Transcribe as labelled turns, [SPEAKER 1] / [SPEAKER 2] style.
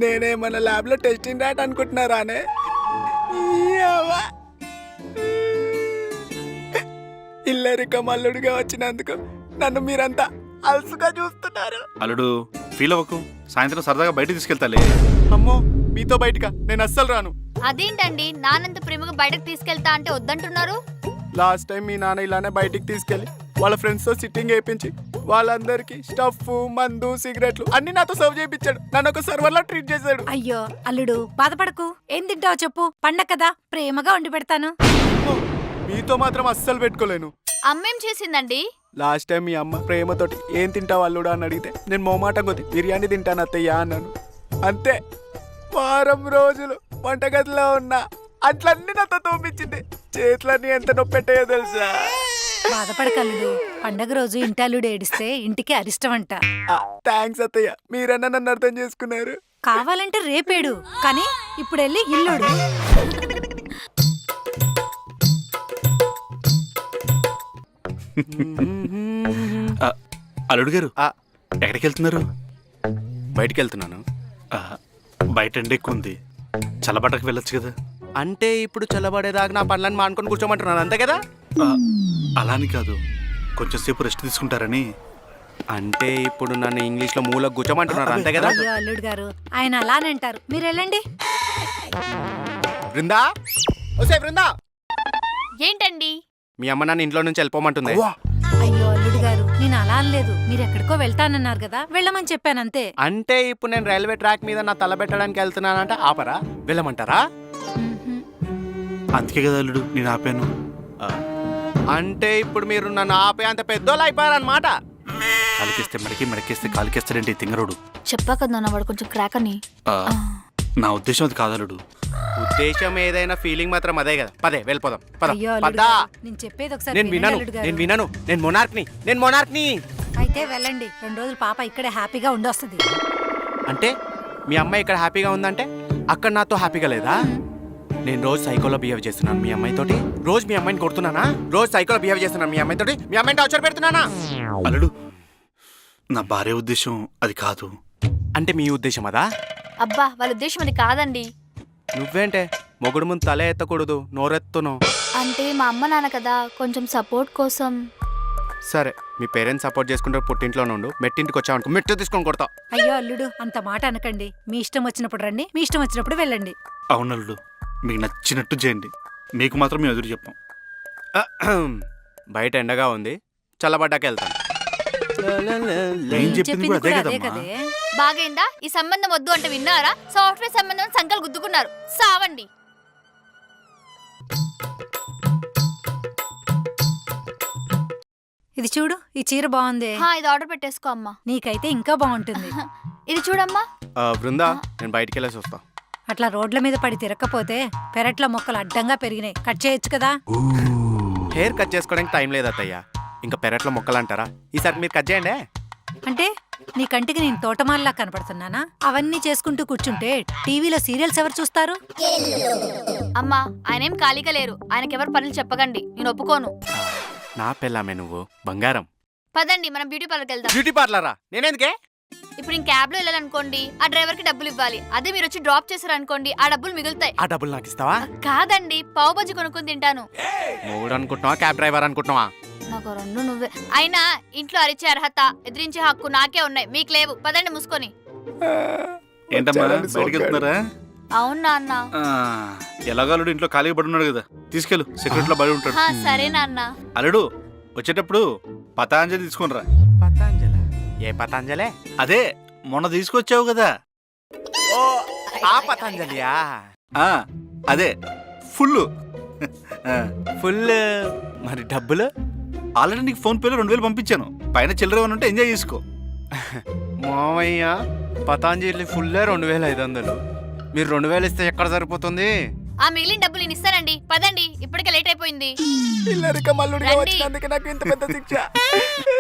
[SPEAKER 1] నేనేమన్నా ల్యాబ్ లో testing rat అనుకుంటున్నారానే? ఇల్లరిక మల్లుడిగా వచ్చినందుకు నన్ను మీరంతా అలసుగా చూస్తున్నారు.
[SPEAKER 2] అల్లుడు ఫీల్ అవ్వకు, సాయంత్రం సరదాగా బయట తీసుకెళ్తాలే.
[SPEAKER 1] అమ్మో, మీతో బయటగా నేను అస్సలు రాను.
[SPEAKER 3] అదేంటండి నానంత ప్రేమగా బయటకు తీసుకెళ్తా అంటే వద్దంటున్నారు?
[SPEAKER 1] లాస్ట్ టైం మీ నాన్న ఇలానే బయటికి తీసుకెళ్లి వాళ్ళ ఫ్రెండ్స్ తో సిట్టింగ్ వేయించి వాళ్ళందరికి స్టఫ్, మందు, సిగరెట్లు అన్ని నాతో సర్వ్ చేయించాడు. నన్ను ఒక సర్వర్ లా ట్రీట్ చేశాడు.
[SPEAKER 4] అయ్యో అల్లుడు బాధపడకు, ఏం తింటావో చెప్పు, పండగ కదా ప్రేమగా వండి పెడతాను.
[SPEAKER 1] అమ్మో, మీతో మాత్రం అస్సలు పెట్టుకోలేను.
[SPEAKER 3] అమ్మేం చేసిందండి?
[SPEAKER 1] లాస్ట్ టైం మీ అమ్మ ప్రేమతోటి ఏం తింటావు అల్లుడా అని అడిగితే నేను మొహమాటం కొద్ది బిర్యానీ తింటాను అత్తయ్య అన్నాను. అంతే, వారం రోజులు వంటగదిలో ఉన్నా అట్లన్నీ నాతో తోపించింది. చేతులన్నీ ఎంత నొప్పి పెట్టాయో తెలుసా?
[SPEAKER 4] బాధపడకు అల్లుడు, పండగ రోజు ఇంటాలుడు ఏడిస్తే ఇంటికి అరిష్టం అంట.
[SPEAKER 1] థ్యాంక్స్ అత్తయ్య, మీరన్నా నన్ను అర్థం చేసుకున్నారు.
[SPEAKER 4] కావాలంటే రేపేడు, కానీ ఇప్పుడు వెళ్ళి ఇల్లుడు.
[SPEAKER 2] అల్లుడు గారు ఎక్కడికి వెళ్తున్నారు?
[SPEAKER 1] బయటికి వెళ్తున్నాను.
[SPEAKER 2] బయట ఎండ ఎక్కువ ఉంది, చల్లబట్టకు వెళ్ళొచ్చు కదా.
[SPEAKER 1] అంటే ఇప్పుడు చల్లబడేదాకా నా పనులను మానుకొని కూర్చోమంటున్నాను, అంతే కదా?
[SPEAKER 2] అలాని కాదు, కొంచెం సేపు రెస్ట్ తీసుకుంటారని.
[SPEAKER 1] అంటే ఇప్పుడు నన్ను ఇంగ్లీష్ లో మూలకు కూర్చోమంటున్నారు, అంతే కదా?
[SPEAKER 4] అయ్యో అల్లుడు గారు, ఆయన అలానంటారు, మీరు వెళ్ళండి.
[SPEAKER 1] బృందా, ఓసే బృందా,
[SPEAKER 3] ఏంటండి?
[SPEAKER 1] మీ అమ్మ నన్ను ఇంట్లో నుంచి వెళ్ళిపోమంటుంది.
[SPEAKER 4] అయ్యో అల్లుడు గారు, నేను అలా అనలేదు, మీరు ఎక్కడికో వెళ్తానన్నారు కదా, వెళ్ళమని చెప్పాను అంతే.
[SPEAKER 1] అంటే ఇప్పుడు నేను రైల్వే ట్రాక్ మీద నా తల పెట్టడానికి వెళ్తున్నానంటే ఆపరా? వెళ్ళమంటారా?
[SPEAKER 2] అందుకే కదా అల్లుడు నేను ఆపాను.
[SPEAKER 1] అంటే ఇప్పుడు మీరు నన్ను ఆపే అంత పెద్దోళ్ళు అయిపోయారన్నమాట.
[SPEAKER 2] కాలికేస్తే మెడకి, మెడకేస్తే కాలికేస్తాడంటే తింగరోడు.
[SPEAKER 3] చెప్పా కదా నాన్న, వాడు కొంచెం క్రాక్ అని.
[SPEAKER 2] నా ఉద్దేశం అది కాదు అల్లుడు.
[SPEAKER 1] ఉద్దేశం ఏదైనా ఫీలింగ్ మాత్రం అదే కదా. పదే వెళ్ళిపోదాం, పద.
[SPEAKER 4] అయ్యో అల్లుడు
[SPEAKER 1] పద.
[SPEAKER 4] గారు, నేను చెప్పేది ఒకసారి
[SPEAKER 1] నేను
[SPEAKER 4] వినండి
[SPEAKER 1] వినను,
[SPEAKER 4] అల్లుడు గారు.
[SPEAKER 1] నేను వినను. నేను మొనార్క్ని.
[SPEAKER 4] అయితే వెళ్ళండి, 2 రోజులు పాప ఇక్కడే హ్యాపీగా ఉండొస్తుంది.
[SPEAKER 1] అంటే మీ అమ్మాయి ఇక్కడ హ్యాపీగా ఉందంటే అక్కడ నాతో హ్యాపీగా లేదా? నేను రోజు సైకోలో బిహేవ్ చేస్తున్నాను మీ అమ్మాయితోటి. రోజు మీ అమ్మాయిని కొడుతున్నానా? రోజు సైకోలో బిహేవ్ చేస్తున్నాను మీ అమ్మాయితోటి. మీ అమ్మాయిని టార్చర్ పెడుతున్నానా?
[SPEAKER 2] అల్లుడు, నా భార్య ఉద్దేశం అది కాదు.
[SPEAKER 1] అంటే మీ ఉద్దేశం అదా?
[SPEAKER 3] అబ్బా, వాళ్ళ ఉద్దేశం అది కాదండి.
[SPEAKER 1] నువ్వేంటే మొగుడు ముందు తల ఎత్తకూడదు, నోరెత్తును.
[SPEAKER 3] అంటే మా అమ్మ నాన్న కదా, కొంచెం సపోర్ట్ కోసం.
[SPEAKER 1] సరే, మీ పేరెంట్స్ సపోర్ట్ చేసుకుంటే పుట్టింట్లో నుండు, మెట్టింటికి వచ్చావనుకో మెట్టు తీసుకొని కొడతా.
[SPEAKER 4] అయ్యో అల్లుడు, అంత మాట అనకండి. మీ ఇష్టం వచ్చినప్పుడు రండి, మీ ఇష్టం వచ్చినప్పుడు వెళ్ళండి.
[SPEAKER 2] అవును అల్లుడు, మీకు నచ్చినట్టు చేయండి, మీకు మాత్రం మేము ఎదురు చెప్పాం.
[SPEAKER 1] బయట ఎండగా ఉంది, చల్లబడ్డాక వెళ్తాను.
[SPEAKER 2] ఏం చెప్పింది కూడా అదే
[SPEAKER 4] అదే
[SPEAKER 2] కదమ్మా.
[SPEAKER 4] కదే.
[SPEAKER 3] బాగైందా? ఈ సంబంధం వద్దు అంటే విన్నారా? సాఫ్ట్వేర్ సంబంధం సంకలు గుద్దుకున్నారు. సావండి.
[SPEAKER 4] ఇది చూడు, ఈ చీర బాగుంది.
[SPEAKER 3] ఇది ఆర్డర్ పెట్టేసుకో అమ్మా.
[SPEAKER 4] నీకైతే ఇంకా బాగుంటుంది.
[SPEAKER 3] ఇది చూడమ్మా.
[SPEAKER 1] బృందా, నేను బయటికి వెళ్ళేసి వస్తా.
[SPEAKER 4] అట్లా రోడ్ల మీద పడి తిరగకపోతే పెరట్ల మొక్కలు అడ్డంగా పెరిగినాయి, కట్ చేయొచ్చు కదా.
[SPEAKER 1] హెయిర్ కట్ చేసుకోవడానికి టైం లేదు అత్తయ్య, ఇంకా పెరట్లో మొక్కలు అంటారా? ఈసారి మీరు కట్ చేయండి.
[SPEAKER 4] అంటే నీ కంటికి నేను తోటమాలలా కనపడుతున్నానా? అవన్నీ చేసుకుంటూ కూర్చుంటే టీవీలో సీరియల్స్ ఎవరు చూస్తారు?
[SPEAKER 3] అమ్మా, ఆయనేం ఖాళీగా లేరు, ఆయనకెవరు పనులు చెప్పకండి, నేను ఒప్పుకోను.
[SPEAKER 1] నా పెళ్ళామే నువ్వు, బంగారం.
[SPEAKER 3] పదండి, మనం బ్యూటీ పార్లర్కి వెళ్దాం.
[SPEAKER 1] బ్యూటీ పార్లరా? నేనేందుకే?
[SPEAKER 3] ఇప్పుడు నేను క్యాబ్ లో వెళ్ళాలనుకోండి, ఆ డ్రైవర్ కి డబ్బులు ఇవ్వాలి. అదే మీరు వచ్చి డ్రాప్ చేశారనుకోండి, ఆ డబ్బులు మిగులుతాయి.
[SPEAKER 1] ఆ డబ్బులు నాకు ఇస్తావా?
[SPEAKER 3] కాదండి, పావు బజ్జి కొనుక్కొని తింటాను.
[SPEAKER 1] మూడు అనుకుంటున్నావా, క్యాబ్ డ్రైవర్ అనుకుంటున్నావా?
[SPEAKER 3] నాకు రెండు నువ్వే. అయినా ఇంట్లో అరిచే అర్హత, ఎదిరించే హక్కు నాకే ఉన్నాయి, మీకు లేవు. పదండి మూసుకొని.
[SPEAKER 2] ఏంటమ్మా బయటికి వెళ్తున్నారా?
[SPEAKER 3] అవునా అన్న?
[SPEAKER 2] ఎలాగో అల్లుడు ఇంట్లో ఖాళీగా పడి ఉన్నాడు కదా, తీసుకెళ్ళు, సెక్యూరిటీలో బయట ఉంటాడు.
[SPEAKER 3] సరే నాన్న.
[SPEAKER 2] అల్లుడు వచ్చేటప్పుడు పతాంజలి తీసుకునిరా.
[SPEAKER 1] పతాంజలి? ఏ పతాంజలే?
[SPEAKER 2] అదే మొన్న తీసుకొచ్చావు కదా.
[SPEAKER 1] ఓ, ఆ పతాంజలియా?
[SPEAKER 2] అదే ఫుల్.
[SPEAKER 1] ఫుల్. మరి డబ్బులు?
[SPEAKER 2] ఆల్రెడీ నీకు ఫోన్ పేలో 2000 పంపించాను, పైన చిల్లర ఏమైనా ఉంటే ఎంజాయ్ చేసుకో.
[SPEAKER 1] మామయ్య, పతాంజలి ఫుల్ 2500. మీరు 2000 ఇస్తే ఎక్కడ సరిపోతుంది?
[SPEAKER 3] ఆ మిగిలిన డబ్బులు నేను ఇస్తానండి. పదండి, ఇప్పటికే లేట్ అయిపోయింది.
[SPEAKER 1] ఇల్లరిక మల్లుడిగా వచ్చినందుకు నాకు ఇంత పెద్ద శిక్ష.